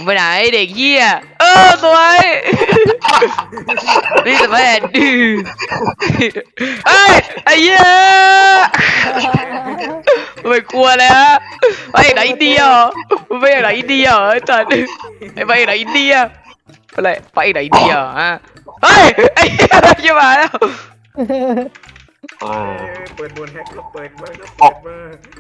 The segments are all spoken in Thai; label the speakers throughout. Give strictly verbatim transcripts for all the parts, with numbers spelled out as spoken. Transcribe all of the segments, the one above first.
Speaker 1: ไปไหนเด็กเหี้ยเออสวยนี่แต่แม่ดื้อเฮ้ยไอ้เหี้ยไม่กลัวเลยฮะไปไหนอินเดียไปไหนอินเดียไอ้จัดไอ้ไปไหนอินเดียอะไรไปไหนอินเดียฮะเฮ้ยไอ้เหี้ยจะมาแล้ว
Speaker 2: เปิดบนแฮกก็เปิดมาก็เปิดมา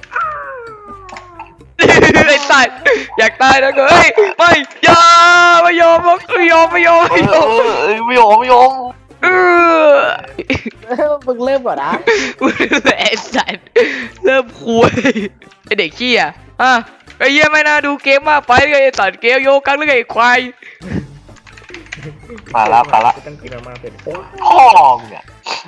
Speaker 1: ไอ้สัตว์อยากตายนะเฮ้ยไม่ยอมไม่ยอมไม่ยอมไม่ยอมไม่ยอม
Speaker 3: ไม่ยอมไม่ยอม
Speaker 1: เออ
Speaker 4: มึงเริ่มก่อนนะ
Speaker 1: ไอ้สัตว์เริ่มคุยไอ้เด็กขี้อ่ะอ่ะไอ้เหี้ยไม่น่าดูเกมมากไปไอ้สัตว์เกมโยกังหรือไอ้ควาย
Speaker 3: มาละมาละ
Speaker 2: ตั้งกินมาเป็น
Speaker 3: พ่อเนี่ย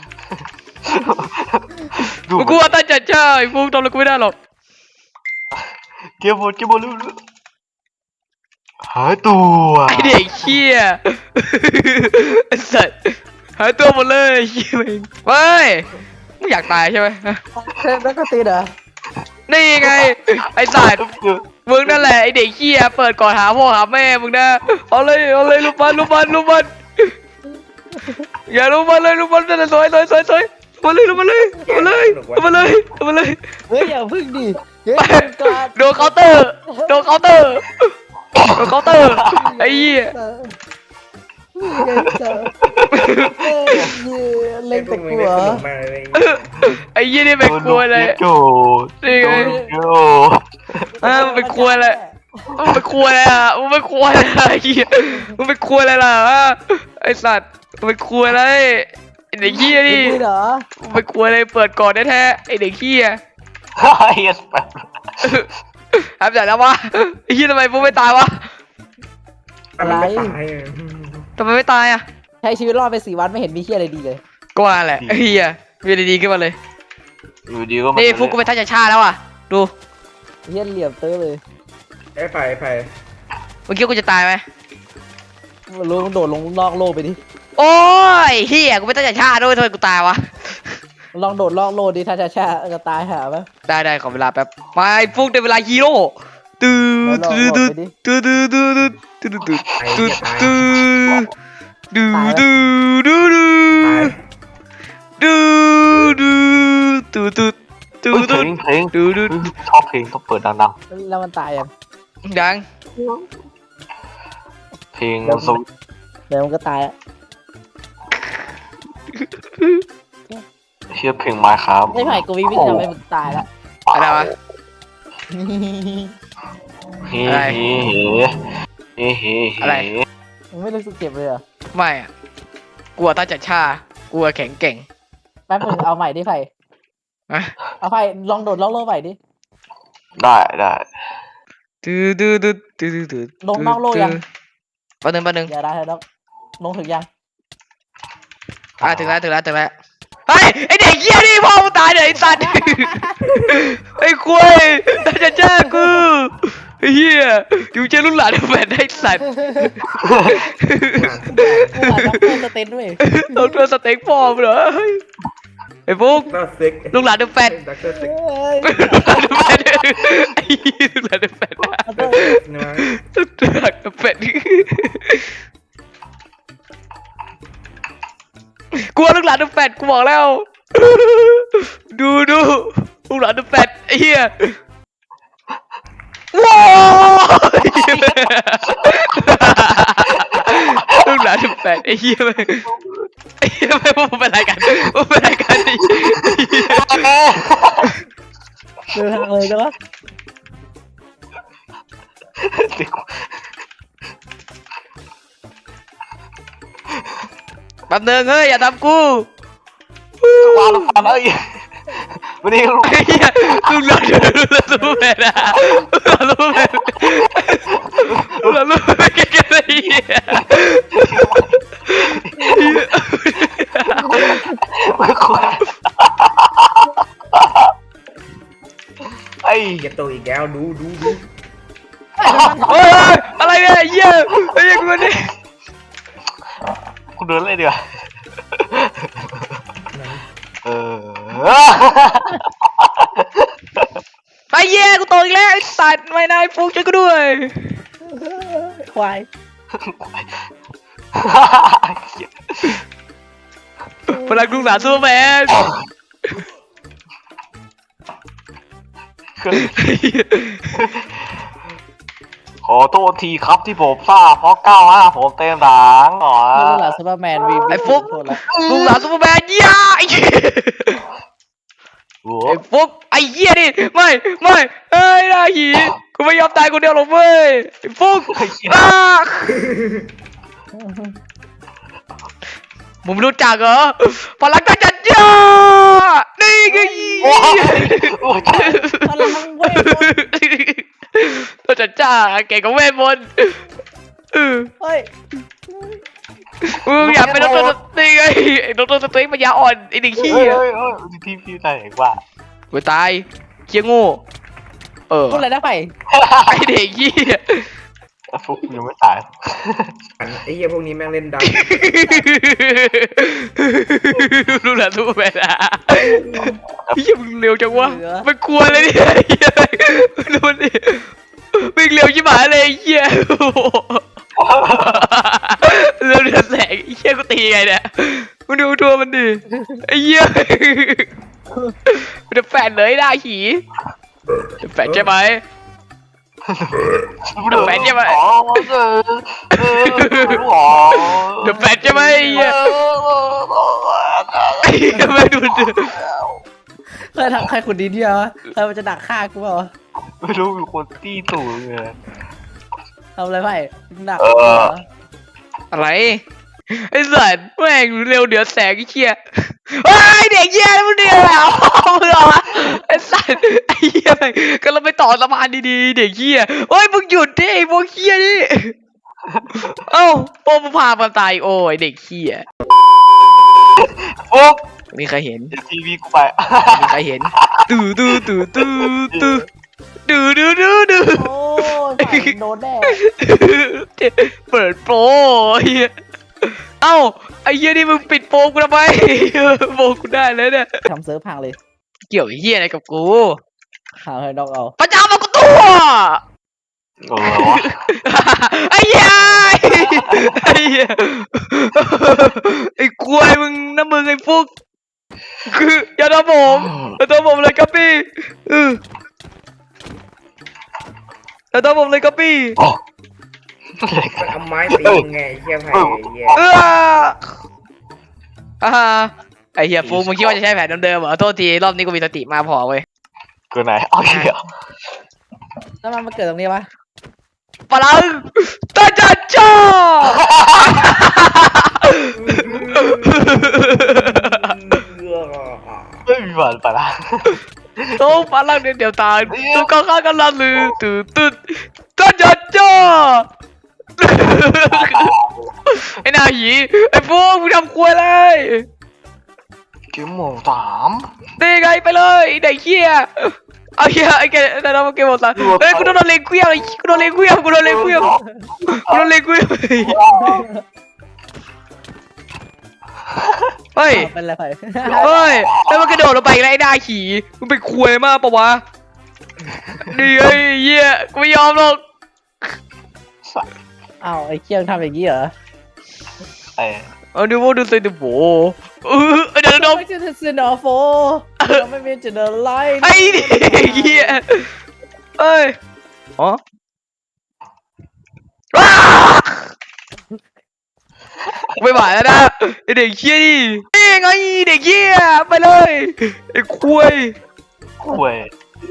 Speaker 1: กูว่าตั้งใจใช่ฟูทำอะไรกูไม่ได้หรอก
Speaker 3: เก็บบอลเก็บบอลรู้หายตัว
Speaker 1: ไอเด็กเขี้ยไอสัตว์หายตัวหมดเลยเขี้ยเองเฮ้ยมึงอยากตายใช่ไหม
Speaker 4: แล้วก็ตีเหรอ
Speaker 1: นี่ไงไอสัตว์มึงนั่นแหละไอเด็กเขี้ยเปิดก่อนหาพ่อหาแม่มึงนะเอาเลยเอาเลยลูกบอลลูกบอลลูกบอลอย่าลูกบอลเลยลูกบอลนั่นแหละสวยสวยสวยสวยมาเลยมาเลยมาเลยมาเลยมาเลย
Speaker 4: เฮ้ยอย่าพึ่งดิ
Speaker 1: โดนเคาน์เตอร์โดนเคาน์เตอร์โดนเคาน์เตอร์ไอ้เหี้ย
Speaker 4: เล่นแต่กลัว
Speaker 1: ไอ้ยี่นี่เป็นกลัวเลยนี่ไงอ่ามันเป็นกลัวเลยมันเป็นกลัวเลยอ่ะมันเป็นกลัวอะไรไอ้เหี้ยมันเป็นกลัวอะไรล่ะไอ้สัตว์มันเป็นกลัวอะไรไอ้เด็กเหี้ยนี่มันเป็นกลัวอะไรเปิดก่อนแท้ๆไอ้เด็กเหี้ย
Speaker 3: เฮียแบบ
Speaker 1: ทำจากแล้ววะไอ้เหี้ยทำไมพวกไม่ตายวะ
Speaker 4: อะไร
Speaker 1: ทำไมไม่ตายอ่ะ
Speaker 4: ใช้ชีวิตรอดไปสี่วันไม่เห็นมีเหี้ยอะไรดีเลย
Speaker 1: ก็ว่าแหละเฮียมีอะไรดีขึ้นมาเลย
Speaker 3: อยู่ดีก็
Speaker 1: นี่ฟุกก็ไปทัชชาแล้วอ่ะดู
Speaker 4: เหี้ยเหลี่ยมเต้เลย
Speaker 2: ไอ้ไผ่ไผ่
Speaker 1: เมื่อกี้กูจะตายไหม
Speaker 4: ลงโดดลงนอกโลกไปดิ
Speaker 1: โอ้ยเฮียกูไปทัชชาด้วยทำไมกูตายวะ
Speaker 4: ลองโดดลอกโลดิถ้าชาชาจะตายหาปะ
Speaker 1: ได้ได้ขอเวลาแป๊บไปฟุกได้เวลาฮีโร่ตื้อตื้อตื้อตื้อตื้อตื้อตื้อตื้อตื้อตื้อดูดูดูดูดูดูดูดูดูดู
Speaker 3: เพลงเพลง
Speaker 1: ดูดู
Speaker 3: ชอบเพลงต้องเปิดดัง
Speaker 4: ๆแล้วมันตายยัง
Speaker 1: ดัง
Speaker 3: เพลงสวิต
Speaker 4: เดี๋ยวมันก็ตายอ่ะ
Speaker 3: เชื่อเพลงมาครับ
Speaker 4: ไม่ไผ่กูวิวิทำให้มึงตายแล้ว
Speaker 1: อะไรวะ
Speaker 3: เฮ้เฮ้เฮ้เฮ้
Speaker 1: อะไร
Speaker 4: มึงไม่รู้สึกเจ็บเลยเหรอ
Speaker 1: ไม่อะกลัวตาจัดชากลัวแข็งเก่ง
Speaker 4: แป๊บนึงเอาใหม่ดิไผ่เอาไผ่ลองโดดลองโลใหม่ดิ
Speaker 3: ได้ได้
Speaker 1: ดูดูดูดูดูดู
Speaker 4: ลงนอกโลยัง
Speaker 1: แป๊บนึงแป๊บนึง
Speaker 4: อย่าได้แล้วลงถึงยัง
Speaker 1: อ่ะถึงแล้วถึงแล้วถึงแล้วเฮ้ยไอเด็กเหี้ยนี่พ่อมึงตายเลยไอสัตว์ไอ้คุยตาจัดชากูเฮียอยู่เจอรุ่นหลานแฟนได้สัตว์
Speaker 4: กูอาจจะเต้นด้วย
Speaker 1: ต้องเจอสเต็กฟอร์มเหรอไอ้ฟุกลูกหลานแฟนลูกหลานแฟนไอ้ลูกหลานแฟนลูกหลานแฟนกลัวลูกหลานแฟนกูบอกแล้วดูดูลูกหลานแฟนไอ้เหี้ยว้าวลูกหลานแฟนไอ้เหี้ยไปไอ้เหี้ยไปพวกเป็นอะไรกันพวกเป็นอะไรกันดิ
Speaker 4: เดินทางเลยใช่ปะ
Speaker 1: แป๊บนึงเฮ้ยอย่าทำกู
Speaker 3: วางลูกบอลเอ้ยวันนี้ลูก
Speaker 1: ลูกหลานลูกหลานลูกแม่นะลูกแม่ลูกหลานลูกแม่แก่ๆเลย
Speaker 3: ไอ้
Speaker 2: จะตัวอีกแล้วดูดูดู
Speaker 1: โอ้ยอะไรเนี่ยเยี่ยไอ้ยังกูนี่
Speaker 3: กูเดินเลยดีกว่าเออ
Speaker 1: ไอ้เยี่ยกูโตอีกแล้วไอ้สัตว์ไม่นายฟุกช่วยกูด้วย
Speaker 4: ควาย
Speaker 1: พลังลูกหลานซูเปอร์แมน
Speaker 3: ขอโทษทีครับที่ผมพลาดเพราะเก้าห้าผมเต็มหลังอ๋อ
Speaker 4: เมื่อหลังซูเปอร์แมนวี
Speaker 1: ไอ้ฟุก
Speaker 4: โทษแล้ว
Speaker 1: ลูกหลานซูเปอร์แมนย่าไอ้เหี้ย
Speaker 3: โอ้
Speaker 1: ไอ้ฟุกไอ้เหี้ยนี่ไม่ไม่เอ้ยนาหีกูไม่ยอมตายคนเดียวหรอกเว้ยไอ้ฟุกอ้ามึงไม่รู้จักเหรอพลังกัจัดยานี่ไง
Speaker 3: โอ้โอ้
Speaker 4: พลังเวทมนต์
Speaker 1: ตัวจัดจ้าเก่งกับเวทมนต์เออ
Speaker 4: เฮ้ย
Speaker 1: มึงอยากเป็นดรสตรีไงไอ้ดรสตรีมันยาอ่อนไอ้เด็กขี้
Speaker 3: เฮ้ย
Speaker 1: อ่ะ
Speaker 3: เฮ้ยเฮ้ยพี่พี่ใจเห็นว่า
Speaker 1: กูตายเชี่ยโง่เออ
Speaker 4: พูดอะไรนะไผ่
Speaker 1: ไอ้เด็กขี้อ่ะ
Speaker 3: ฟุกยังไม่ตาย
Speaker 2: ไอ้เหี้ยพวกนี้แม่งเล่นดัง
Speaker 1: รู้แหละรู้ไปละเฮียมึงเร็วจังวะมันกลัวเลยเนี่ยเฮียดูมันดิมึงเร็วชิบหายเลยเฮียเร็วเดือดแสงเฮียกูตีไงเนี่ยมึงดูตัวมันดิไอ้เฮียมันจะแฝดเลยหน้าหีจะแฝดใช่ไหม เดอะแฟนใช่ไหม
Speaker 3: อ๋อเออเอออ๋อ
Speaker 1: เดอะแฟนใช่ไหมไอ้เหี้ยไอ้เหี้ยไม่ดูดิ
Speaker 4: เคยทำใครขุดดินที่วะใครมันจะดักฆ่ากูเปล่าวะ
Speaker 3: ไม่รู้มีคนตีตู่เลย
Speaker 4: ทำอะไรไผ่ดัก
Speaker 3: เออ
Speaker 1: อะไรไอ้สัตว์แม่งเร็วเดือดแสงไอ้เหี้ยไอ้เด็กเหี้ยมึงเดียวแล้วมึงเหรอไอ้สัตว์ไอ้เหี้ยแม่งก็เราไปต่อสะพานดีๆเด็กเหี้ยเฮ้ยมึงหยุดดิไอ้พวกเหี้ยนี่เอ้าโป้มึงพามันตายโอ้ยเด็กเหี้ย
Speaker 3: ฟุก
Speaker 1: มีใครเห็น
Speaker 3: ทีวีกูไป
Speaker 1: มีใครเห็นตื่ตื่ตื่ตื่ตื่ตื่ตื่ตื่ตื่
Speaker 4: โอ้ยไผ่โดนแน่
Speaker 1: เปิดโปรไอ้เหี้ยเอ้าไอ้เหี้ยนี่มึงปิดโปรกูทำไมโปรกูได้แล้วเนี่ย
Speaker 4: ทำเซิร์ฟพังเลย
Speaker 1: เกี่ยวไอ้เหี้ยอะไรกับกู
Speaker 4: หาให้ดอกเอา
Speaker 1: พระเจ้ามากูตัว
Speaker 3: เออวะ
Speaker 1: ไอ้เหี้ยไอ้เหี้ยไอ้กล้วยมึงน้ำมึงไอ้ฟุกคืออย่าทำผมอย่าทำผมเลยครับพี่เอออย่าทำผมเลยครับพี่
Speaker 2: มันเอาไม้ตีมึงไงไอ้เหี้ยไผ่ไอ้เหี้ย
Speaker 1: เอออ่าไอ้เหี้ยฟุกมึงคิดว่าจะใช้แผนเดิมๆเหรอโทษทีรอบนี้กูมีสติมากพอเว้ย
Speaker 3: เกินไหนเอาเหี้ย
Speaker 4: แล้วมันมาเกิดตรงนี้ปะ
Speaker 1: พลังตาจัดจ้า
Speaker 3: ไม่มีหวานปะล่ะ
Speaker 1: โต้พลังเดียวตายตัวข้างๆกันละลือตื่นตื่นตาจัดจ้าไอ้หน้าหีไอ้พวกมึงทำครัวเลย
Speaker 3: เกมโหมดสาม
Speaker 1: ตีไงไปเลยไอ้เด็กเหี้ยเอาเหี้ยไอ้แกแต่เราเกมหมดละเฮ้ยกูโดนเลงเกลี้ยงกูโดนเลงเกลี้ยงกูโดนเลงเกลี้ยงกูโดนเลงเกลี้ยงเฮ้ย
Speaker 4: เป็นไรไผ่
Speaker 1: เฮ้ยแล้วมันกระโดดลงไปแล้วไอ้หน้าขี่มึงเป็นควยมากปะวะนี่ไอ้เหี้ยกูไม่ยอมหรอก
Speaker 4: อ้าวไอ้เคียงทำอย่างนี้เหรอ
Speaker 3: ไอ้
Speaker 1: เอาดูว่าดูสิดูโบเออเดี๋ยวเดี๋ยว
Speaker 4: ไม่ใช่เซนอโฟไม่เป็นจะเดินไล่
Speaker 1: ไอ้เด็กเหี้ยเอ้ยอ๋อไม่ไหวแล้วนะไอเด็กเหี้ยนี่นี่ไงเด็กเหี้ยไปเลยไอ้ควย
Speaker 3: คุย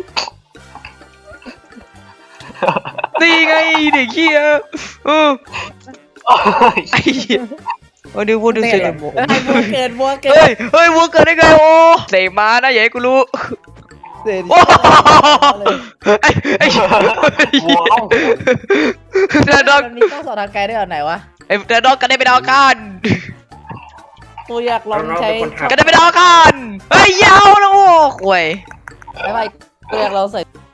Speaker 1: นี่ไงเด็กเหี้ยเออไอ้เหี้ยเอาดูพูดดูสิ
Speaker 4: ไอ้บัวเกิดบัวเกิ
Speaker 1: เฮ้ย
Speaker 4: ด
Speaker 1: เฮ้ยวัวเกิดได้ไงโอ้เสกมานะอย่าให้กูรู้
Speaker 4: เสร็จ
Speaker 1: โอ้ไอ้ไอ้
Speaker 3: วัวเอ้า
Speaker 1: แต่ดอก
Speaker 4: มันมีต้องสอนทางไกลได้แบบไหนวะ
Speaker 1: ไอ้แต่ดอกกันได้เป็นดาวกัน
Speaker 4: กูอยากลองใช้
Speaker 1: กันได้เป็นดาวกันเฮ้ยยาวนะโอ้ควย
Speaker 4: ไม่ไปกูอยากลองใส่